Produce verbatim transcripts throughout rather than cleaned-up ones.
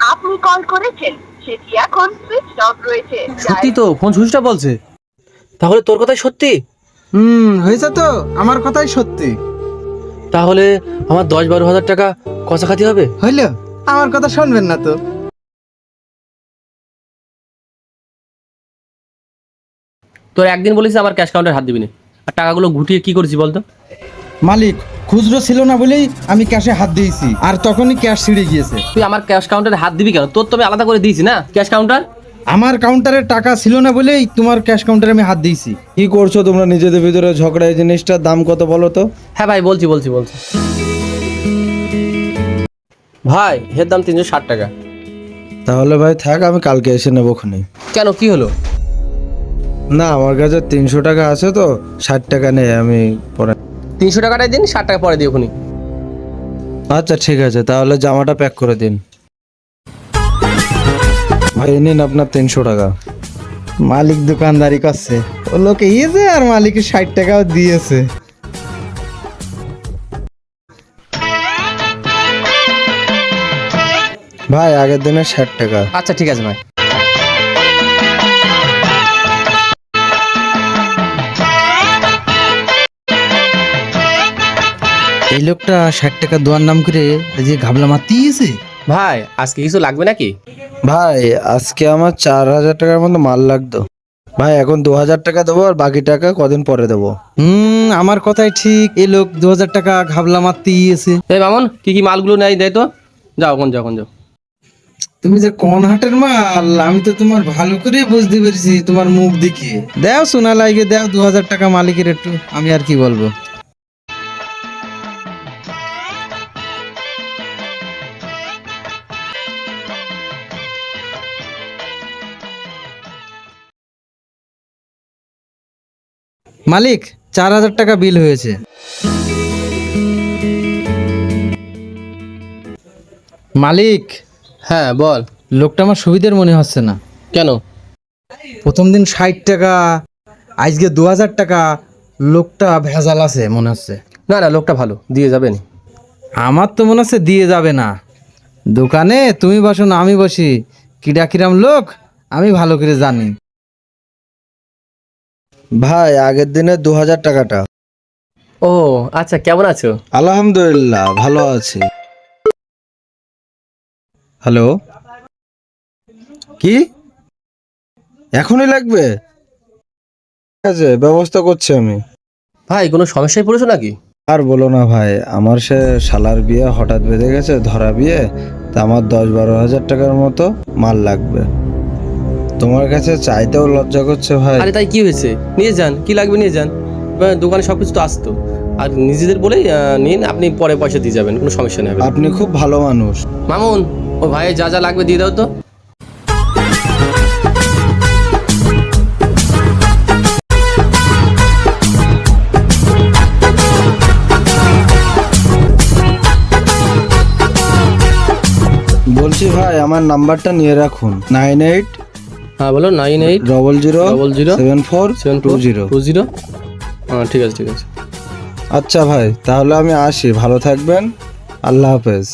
আপনি কল করেছেন সেটি এখন সুইচ অফ রয়েছে। সত্যি তো, ফোন সুইচটা বলছে। তাহলে তোর কথাই সত্যি? হুম হয়েছে তো, আমার কথাই সত্যি। তাহলে আমার দশ বারো হাজার টাকা কষাখাতি হবে। হইল, আমার কথা শুনবেন না তো? তোর একদিন বলিস আমার ক্যাশ কাউন্টার হাত দিবি না, আর টাকাগুলো গুটিয়ে কি করেছি বলতো? মালিক খুচরো ছিল না বলেই আমি ক্যাশে হাত দিয়েছি, আর তখনই ক্যাশ ছিঁড়ে গিয়েছে। তুই আমার ক্যাশ কাউন্টারে হাত দিবি কেন? তোর তো আমি আলাদা করে দিয়েছি না ক্যাশ কাউন্টার। আমার কাউন্টারে টাকা ছিল না বলেই তোমার ক্যাশ কাউন্টারে আমি হাত দিয়েছি। কি করছো তোমরা নিজেদের ভিতরে ঝগড়া? এই জিনিসটার দাম কত বলো তো? হ্যাঁ ভাই, বলছি বলছি বলছি ভাই, এর দাম তিনশো ষাট টাকা। তাহলে ভাই থাক, আমি কালকে এসে নেবো খুনি। কেন, কি হলো? না, আমার কাছে তিনশো টাকা আছে তো, ষাট টাকা নেই, আমি পরে। তিনশো টাকাটাই দিন, ষাট টাকা পরে দিও খুনি। আচ্ছা ঠিক আছে, তাহলে জামাটা প্যাক করে দিন। ভাই নিন আপনার তিনশো টাকা। মালিক দোকানদারি করছে, ও লোকে ইয়েছে আর মালিকের ষাট টাকাও দিয়েছে। ভাই আগের দিনের ষাট টাকা। আচ্ছা ঠিক আছে ভাই। এই লোকটা ষাট টাকা দেওয়ার নাম করে যে ঘাবলা মাতিয়েছে। ভাই আজকে কিছু লাগবে নাকি? ভাই আজকে আমার চার হাজার টাকার মতো মাল লাগতো। ভাই এখন দু হাজার টাকা দেবো, আর বাকি টাকা কদিন পরে দেবো। হুম আমার কথাই ঠিক, এই লোক দু হাজার টাকা ঘাবলা মাতিয়েছে। এই মামুন, কি কি মালগুলো নেই দেয় তো। যাও কোন যাও কোন যাও। তুমি যে কোন হাটের মাল, আমি তো তোমার ভালো করে বুঝতে পেরেছি তোমার মুখ দেখে। দাও সোনা লাগে, দাও দু হাজার টাকা মালিকের একটু, আমি আর কি বলবো। মালিক চার হাজার টাকা বিল হয়েছে। মালিক, হ্যাঁ বল। লোকটা আমার সুবিধার মনে হচ্ছে না। কেন? প্রথম দিন ষাট টাকা, আজকে দু হাজার টাকা, লোকটা ভেজাল আছে মনে হচ্ছে। না না, লোকটা ভালো, দিয়ে যাবেন। আমার তো মনে হচ্ছে দিয়ে যাবে না। দোকানে তুমি বসো না আমি বসি, কিরা কিরাম লোক আমি ভালো করে জানি। ভাই আগের দিনের দু হাজার টাকাটা। ও আচ্ছা, কেমন আছো? আলহামদুলিল্লাহ ভালো আছি। হ্যালো, কি এখনই লাগবে? ঠিক আছে, ব্যবস্থা করছি আমি। ভাই কোনো সমস্যায় পড়েছো নাকি? আর বলো না ভাই, আমার সে শালার বিয়ে হঠাৎ বেঁধে গেছে, ধরা বিয়ে। তা আমার দশ বারো হাজার টাকার মতো মাল লাগবে। তোমার কাছে চাইতেও লজ্জা করছে ভাই। আরে তাই কি হয়েছে, নিয়ে যান, কি লাগবে নিয়ে যান। বা, দোকানে সব কিছু তো আসতো, আর নিজেদের বলেই আহ, নিন, আপনি পরে পয়সা দিয়ে যাবেন, কোনো সমস্যা নেই। আপনি খুব ভালো মানুষ। মামুন, ও ভাই যা যা লাগবে দিয়ে দাও তো। বলছি ভাই, আমার নাম্বারটা নিয়ে রাখুন, নাইন এইট হ্যাঁ বলো। Nine eight double zero double zero seven four seven two zero two zero হ্যাঁ ঠিক আছে ঠিক আছে। আচ্ছা ভাই, তাহলে আমি আসি, ভালো থাকবেন, আল্লাহ হাফেজ।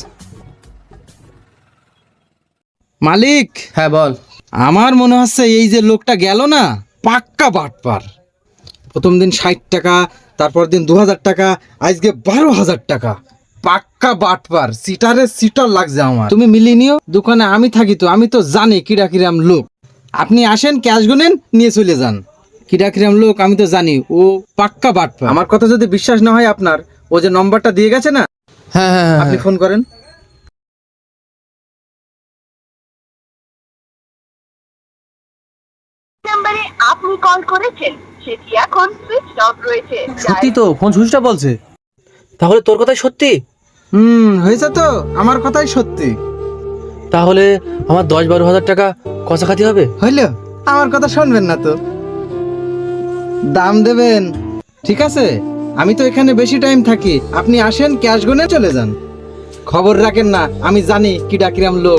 মালিক, হ্যাঁ বল। আমার মনে হচ্ছে এই যে লোকটা গেল না, পাক্কা বাটপার। প্রথম দিন ষাট টাকা, তারপর দিন দু হাজার টাকা, আজকে বারো হাজার টাকা। পাক্কা বাটপার, সিটারে সিটার লাগছে আমার। তুমি মিলিয়ে নিও, দোকানে আমি থাকি তো, আমি তো জানি কিরা কিরাম লোক। আপনি আসেন, ক্যাশ গুনেন, নিয়ে চলে যান। কিরা কিরাম লোক আমি তো জানি, ও পাক্কা বাটপার। আমার কথা যদি বিশ্বাস না হয় আপনার, ও যে নম্বরটা দিয়ে গেছে না, হ্যাঁ হ্যাঁ হ্যাঁ আপনি ফোন করেন। নাম্বারে আপনি কল করেছেন সেটি এখন সুইচ অফ রয়েছে। সত্যি তো, ফোন সুইচটা বলছে। তাহলে তোর কথাই সত্যি? হুম হয়েছে তো, আমার কথাই সত্যি। তাহলে আমার দশ বারো হাজার টাকা কষাখাতি হবে। হইল, আমার কথা শুনবেন না তো? দাম দেবেন, ঠিক আছে? আমি তো এখানে বেশি টাইম থাকি, আপনি আসেন, ক্যাশ গুনে চলে যান। খবর রাখেন না, আমি জানি কি ডাকিরাম লোক।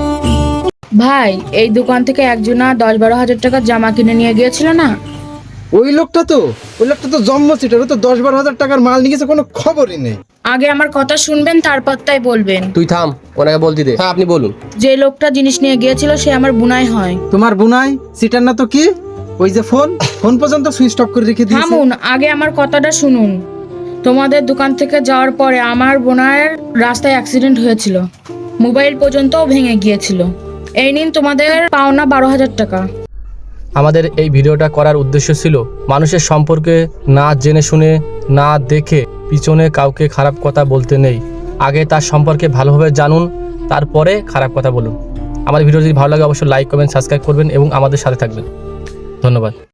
ভাই, এই দোকান থেকে একজনা দশ বারো হাজার টাকার জামা কিনে নিয়ে গিয়েছিল না? ওই লোকটা তো ওই লোকটা তো জম্ম সিটার, ও তো দশ বারো হাজার টাকার মাল নিয়ে গেছে, কোনো খবরই নেই। আগে আমার কথা শুনবেন, তারপর তাই বলবেন। তুই থাম, ওনাকে বলতে দে। হ্যাঁ আপনি বলুন। যে লোকটা জিনিস নিয়ে গিয়েছিল সে আমার বুনাই হয়। তোমার বুনাই সিটার না তো কি? ওই যে ফোন ফোন পর্যন্ত সুইচ অফ করে রেখে দিয়েছে। থামুন, আগে আমার কথাটা শুনুন। তোমাদের দোকান থেকে যাওয়ার পরে আমার বোনার রাস্তায় অ্যাক্সিডেন্ট হয়েছিল, মোবাইল পর্যন্তও ভেঙে গিয়েছিল। এই নিন তোমাদের পাওনা বারো হাজার টাকা। আমাদের এই ভিডিওটা করার উদ্দেশ্য ছিল মানুষের সম্পর্কে না জেনে শুনে না দেখে পিছনে কাউকে খারাপ কথা বলতে নেই। আগে তার সম্পর্কে ভালোভাবে জানুন, তারপরে খারাপ কথা বলুন। আমার ভিডিও যদি ভালো লাগে অবশ্যই লাইক কমেন্ট সাবস্ক্রাইব করবেন এবং আমাদের সাথে থাকবেন। ধন্যবাদ।